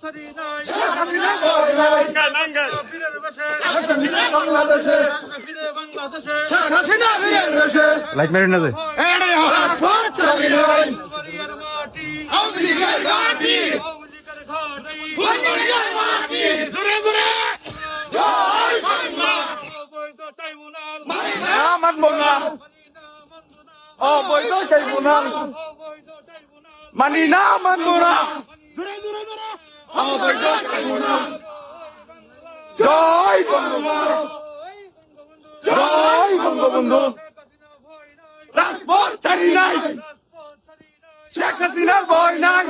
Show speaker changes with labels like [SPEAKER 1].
[SPEAKER 1] light মেরে না যে অবৈধ ট্রাইব্যুনাল মানি না মানবো না অবৈধ ট্রাইব্যুনাল জয় বঙ্গবন্ধু জয় বঙ্গবন্ধু রাজপথ ছাড়ি নাই শেখ হাসিনার ভয় নাই